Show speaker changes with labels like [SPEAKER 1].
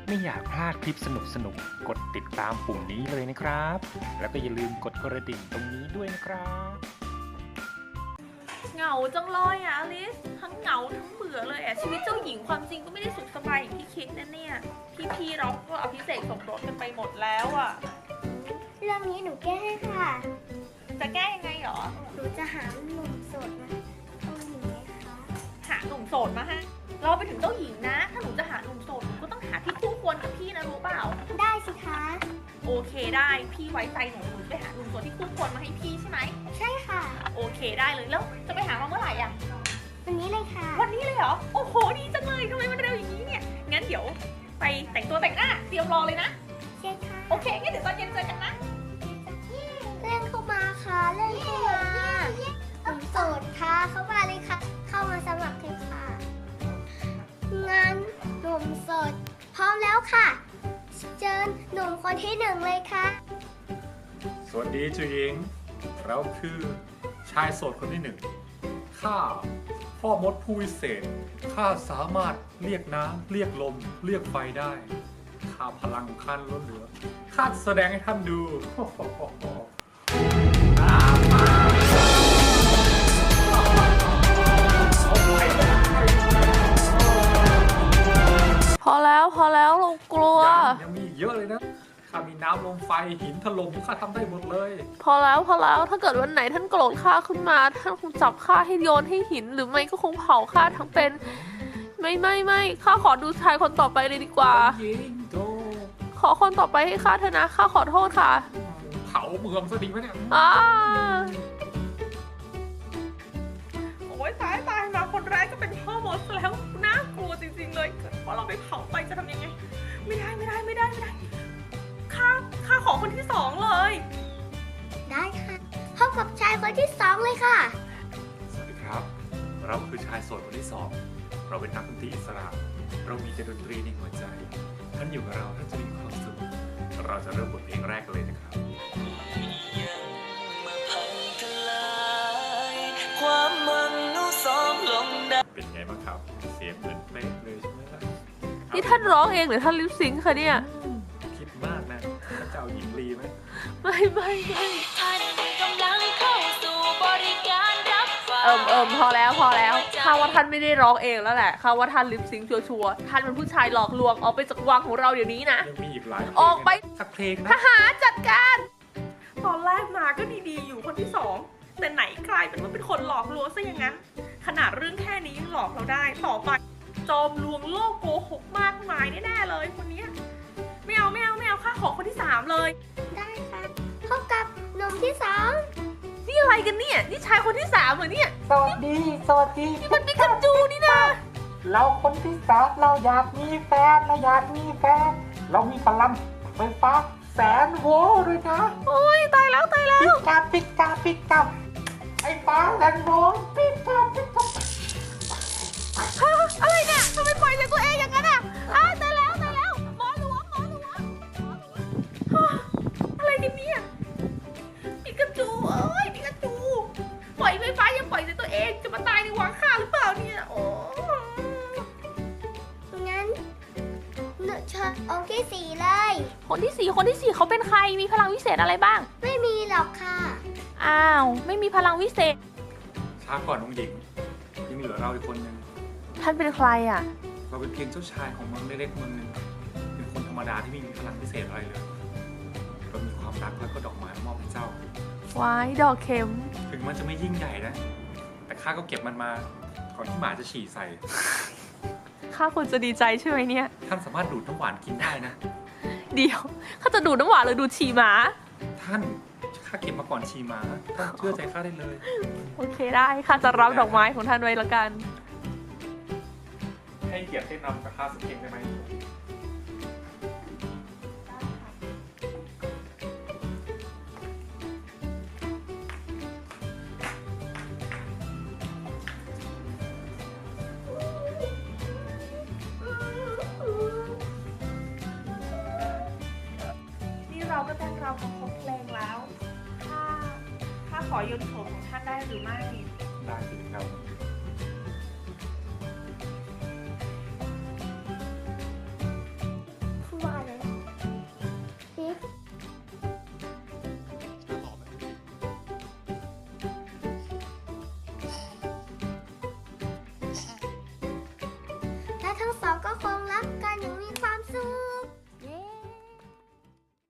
[SPEAKER 1] ไม่อยากพลาดคลิปสนุกกดติดตามปุ่มนี้เลยนะครับ แล้วก็อย่าลืมกดกระดิ่งตรงนี้ด้วยนะครับ
[SPEAKER 2] เหงาจังเลยอ่ะอลิสทั้งเหงาทั้งเบื่อเลยอ่ะชีวิตเจ้าหญิงความจริงก็ไม่ได้สุขสบายอย่างที่คิดนะเนี่ยพี่เราก็อภิเษกสมรสกันไปหมดแล้วอ่ะ
[SPEAKER 3] เรื่องนี้หนูแก้ให้ค่ะ
[SPEAKER 2] จะแก้ยังไงหรอ
[SPEAKER 3] หนูจะหาหนุ่มโสดนะเอาหนูไหมคะ
[SPEAKER 2] หาหนุ่มโสดมาฮะเราไปถึงเจ้าหญิงนะ ถ้าหนูจะหาหนุ่มโสดหนูก็ต้องหาที่คู่ควรกับพี่นะรู้เปล่า
[SPEAKER 3] ได้สิคะ
[SPEAKER 2] โอเคได้พี่ไว้ใจหนูไปหาหนุ่มโสดที่คู่ควรมาให้พี่ใช่ไหม
[SPEAKER 3] ใช่ค่ะ
[SPEAKER 2] โอเคได้เลยแล้วจะไปหามาเมื่อไหร่อ่ะ
[SPEAKER 3] วันนี้เลยค่ะ
[SPEAKER 2] วันนี้เลยเหรอโอ้โหดีจังเลยทำไมมันเร็วอย่างนี้เนี่ยงั้นเดี๋ยวไปแต่งตัวแต่งหน้าเตรียมรอเลยนะ
[SPEAKER 3] ใช่ค่ะ
[SPEAKER 2] โอเคงั้นเดี๋ยวตอนเย็นเจอกันนะ
[SPEAKER 3] เล่นเข้ามาค่ะเล่นเข้ามาหนุ่มโสดค่ะเข้ามาเลยค่ะ เข้ามาสมัครเลยค่ะงั้นหนุ่มโสดพร้อมแล้วค่ะเชิญหนุ่มคนที่หนึ่งเลยค่ะ
[SPEAKER 4] สวัสดีเจ้าหญิงเราคือชายโสดคนที่หนึ่งข้าพ่อมดผู้วิเศษข้าสามารถเรียกน้ำเรียกลมเรียกไฟได้ข้าพลังของข้าล้นเหลือข้าจะแสดงให้ท่านดู
[SPEAKER 2] พอแล้วเรากลัว
[SPEAKER 4] ยังมีอีกเยอะเลยนะข้ามีน้ำลมไฟหินถล่มข้าทำได้หมดเลย
[SPEAKER 2] พอแล้วถ้าเกิดวันไหนท่านโกรธข้าขึ้นมาท่านคงจับข้าให้โยนให้หินหรือไม่ก็คงเผาข้าทั้งเป็นไม่ข้าขอดูชายคนต่อไปเลยดีกว่า
[SPEAKER 4] ยิงโต
[SPEAKER 2] ขอคนต่อไปให้ข้าเถอะนะข้าขอโทษค่ะ
[SPEAKER 4] เผาเมืองซะดีไหมเนี่ย
[SPEAKER 2] โอ้ยตายมาคนแรกก็เป็นพ่อมดแล้วน่ากลัวจริงๆเลยเพราะเราไปเผาไปจะทำยังไงไม่ได้ข้าขอคนที่สองเลย
[SPEAKER 3] ได้ค่ะพบกับชายคนที่สองเลยค่ะ
[SPEAKER 4] สวัสดีครับ เราคือชายโสดคนที่สองเราเป็นนักดนตรีอิสระเรามีแต่ดนตรีในหัวใจ ท่านอยู่กับเราท่านจะมีความสุขเราจะเริ่มบทเพลงแรกกันเลยนะครับ
[SPEAKER 5] ความหวังนู้สองลงได้
[SPEAKER 4] เป็นไงบ้างครับ เสียงเหมือนเป๊ะเลยใช่ไหมล่ะ
[SPEAKER 2] นี่ท่านร้องเองหรือท่านลิปซิงค์คะเนี่ย
[SPEAKER 4] คิดมากนะท่านจะเอาหญิงลีไหม
[SPEAKER 2] ไม่
[SPEAKER 5] ท่านกำลังเข้าสู่บริการรับฝาก
[SPEAKER 2] พอแล้วข้าว่าท่านไม่ได้ร้องเองแล้วแหละข้าว่าท่านลิปซิงค์ชัวร์ๆท่านเป็นผู้ชายหลอกลวงออกไปจากวังของเราเดี๋ยวนี้นะ
[SPEAKER 4] ยังมีอีกหลายเพลง
[SPEAKER 2] ออกไป
[SPEAKER 4] สักเพลง
[SPEAKER 2] ท
[SPEAKER 4] นะ
[SPEAKER 2] หารจัดการ ตอนแรกมาก็ดีๆอยู่คนที่สองแต่ไหนกลายเป็นว่าเป็นคนหลอกลวงซะอย่างนั้นขนาดเรื่องแค่นี้ยังหลอกเราได้ต่อไปจอมลวงโลกโกหกมากมายแน่ๆเลยคนเนี้ยไม่เอาข้าขอคนที่สามเลย
[SPEAKER 3] ได้ค่ะพบกับหนุ่มที่สอง
[SPEAKER 2] นี่อะไรกันเนี่ยนี่ชายคนที่สามเหรอเนี่ย
[SPEAKER 6] สวัสดี
[SPEAKER 2] นี่มันปิกาจูนี่นะ
[SPEAKER 6] เราคนที่สามเราอยากมีแฟน เรามีพลังไฟฟ้าแสนโวลต์ด้วยนะ
[SPEAKER 2] โอ้ยตายแล้ว
[SPEAKER 6] ปิกาไอ้ฟ้าแสนโวลต์ปิกา
[SPEAKER 2] ฮะอะไรเนี่ยทำไมปล่อยใจตัวเองอย่างนั้นอ่ะตายแล้วหมอหลวงฮะอะไรกันเนี่ยปิกาจูปิกาจูปล่อยไฟฟ้ายังปล่อยใจตัวเองจะมาตายในวังข้าหรือเปล่าเนี่ยโอ้
[SPEAKER 3] งั้นหนูเชิญองค์ที่สี่เลย
[SPEAKER 2] คนที่สี่เขาเป็นใครมีพลังวิเศษอะไรบ้าง
[SPEAKER 3] ไม่มีหรอกค่ะ
[SPEAKER 2] อ้าวไม่มีพลังวิเศษ
[SPEAKER 4] ช้าก่อนน้องหญิงยังเหลือเราอีกคนนึง
[SPEAKER 2] ท่านเป็นใครอ่ะ
[SPEAKER 4] เราเป็นเพียงเจ้าชายของเมืองเล็กๆเมืองหนึ่งเป็นคนธรรมดาที่ไม่มีพลังพิเศษอะไรเลยเรามีความรักแล้วก็ดอกไม้มอบให้เจ้า
[SPEAKER 2] ว้ายดอกเข็ม
[SPEAKER 4] ถึงมันจะไม่ยิ่งใหญ่นะ แต่ข้าก็เก็บมันมาก่อนที่หมาจะฉี่ใส่
[SPEAKER 2] ข้าควรจะดีใจใช่ไหมเนี่ย
[SPEAKER 4] ท่านสามารถดูดน้ำหวานกินได้นะ
[SPEAKER 2] เดี๋ยวข้าจะดูดน้ำหวานหรือดูดฉี่หมา
[SPEAKER 4] ท่านข้าเก็บมาก่อนฉี่หมาท่านเชื่อใจข้าได้เลย
[SPEAKER 2] โอเคได้ข้าจะรับดอกไม้ของท่านไว้ละกัน
[SPEAKER 4] ให้เกียรติเต้นรำกับข้าสักเพลงได้ไหม
[SPEAKER 2] นี่เราก็เต้นรำกันครบเพลงแล้วข้าขอโยนโฉมของท่านได้หรือไม่
[SPEAKER 4] ได้สิครับ